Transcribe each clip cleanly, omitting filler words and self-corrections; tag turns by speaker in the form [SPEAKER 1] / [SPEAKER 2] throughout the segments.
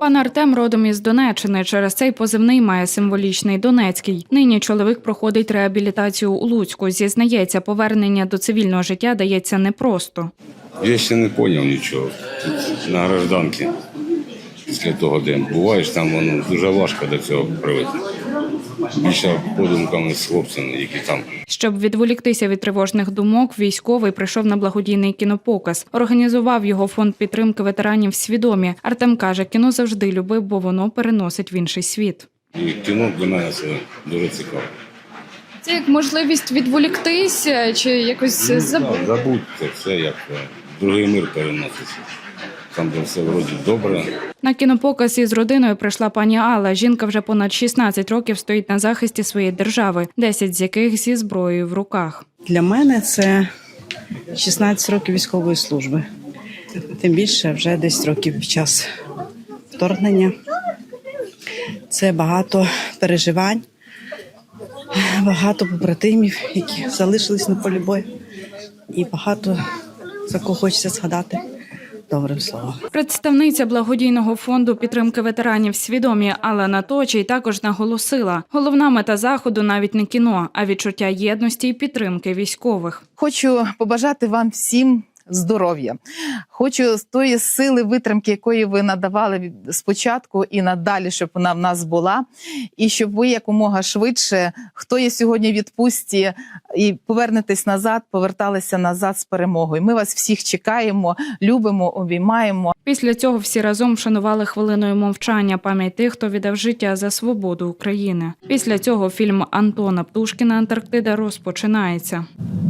[SPEAKER 1] Пан Артем родом із Донеччини. Через цей позивний має символічний «Донецький». Нині чоловік проходить реабілітацію у Луцьку. Зізнається, повернення до цивільного життя дається непросто.
[SPEAKER 2] Я ще не зрозумів нічого. Тут на гражданці після того, де буваєш, там воно дуже важко до цього привикнути. Більше подумками з хлопцями, які там.
[SPEAKER 1] Щоб відволіктися від тривожних думок, військовий прийшов на благодійний кінопоказ. Організував його фонд підтримки ветеранів «Свідомі». Артем каже, кіно завжди любив, бо воно переносить в інший світ.
[SPEAKER 2] І кіно для мене це дуже цікаво.
[SPEAKER 1] Це як можливість відволіктися чи якось забути?
[SPEAKER 2] Забудьте все, як другий мир переноситься. Там де все вроді добре.
[SPEAKER 1] На кінопоказ із родиною прийшла пані Алла. Жінка вже понад 16 років стоїть на захисті своєї держави, 10 з яких зі зброєю в руках.
[SPEAKER 3] Для мене це 16 років військової служби. Тим більше вже 10 років під час вторгнення. Це багато переживань, багато побратимів, які залишились на полі бою. І багато за кого хочеться згадати добрим словом.
[SPEAKER 1] Представниця благодійного фонду підтримки ветеранів «Свідомі» Алла Наточій також наголосила, головна мета заходу навіть не кіно, а відчуття єдності і підтримки військових.
[SPEAKER 4] Хочу побажати вам всім здоров'я. Хочу з тої сили витримки, якої ви надавали спочатку і надалі, щоб вона в нас була. І щоб ви якомога швидше, хто є сьогодні в відпустці і повернетесь назад, поверталися назад з перемогою. Ми вас всіх чекаємо, любимо, обіймаємо.
[SPEAKER 1] Після цього всі разом вшанували хвилиною мовчання пам'ять тих, хто віддав життя за свободу України. Після цього фільм Антона Птушкіна «Антарктида» розпочинається.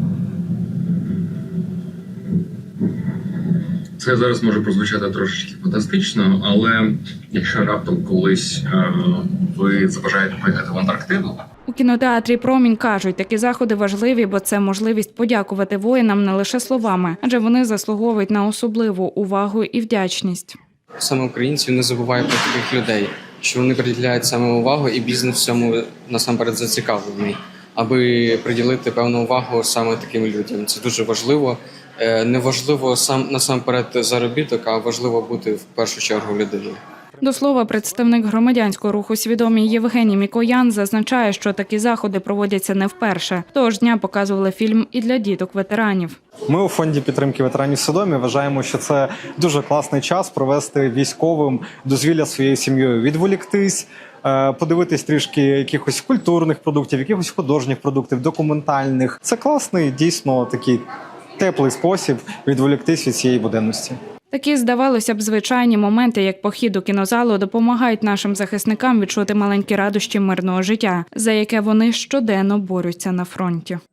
[SPEAKER 5] Це зараз може прозвучати трошечки фантастично, але якщо раптом колись ви забажаєте поїхати в Антарктиду.
[SPEAKER 1] У кінотеатрі «Промінь» кажуть, такі заходи важливі, бо це можливість подякувати воїнам не лише словами, адже вони заслуговують на особливу увагу і вдячність.
[SPEAKER 6] Саме українців не забуває про таких людей, що вони приділяють саме увагу і бізнес в цьому насамперед зацікавлений, аби приділити певну увагу саме таким людям. Це дуже важливо. Не важливо насамперед заробіток, а важливо бути в першу чергу людиною.
[SPEAKER 1] До слова, представник громадянського руху «Свідомі» Євгеній Мікоян зазначає, що такі заходи проводяться не вперше. Того ж дня показували фільм і для діток-ветеранів.
[SPEAKER 7] Ми у фонді підтримки ветеранів «Свідомі» вважаємо, що це дуже класний час провести військовим дозвілля своєю сім'єю, відволіктись, подивитись трішки якихось культурних продуктів, якихось художніх продуктів, документальних. Це класний, дійсно, такий теплий спосіб відволіктись від цієї буденності.
[SPEAKER 1] Такі, здавалося б, звичайні моменти, як похід у кінозалу, допомагають нашим захисникам відчути маленькі радощі мирного життя, за яке вони щоденно борються на фронті.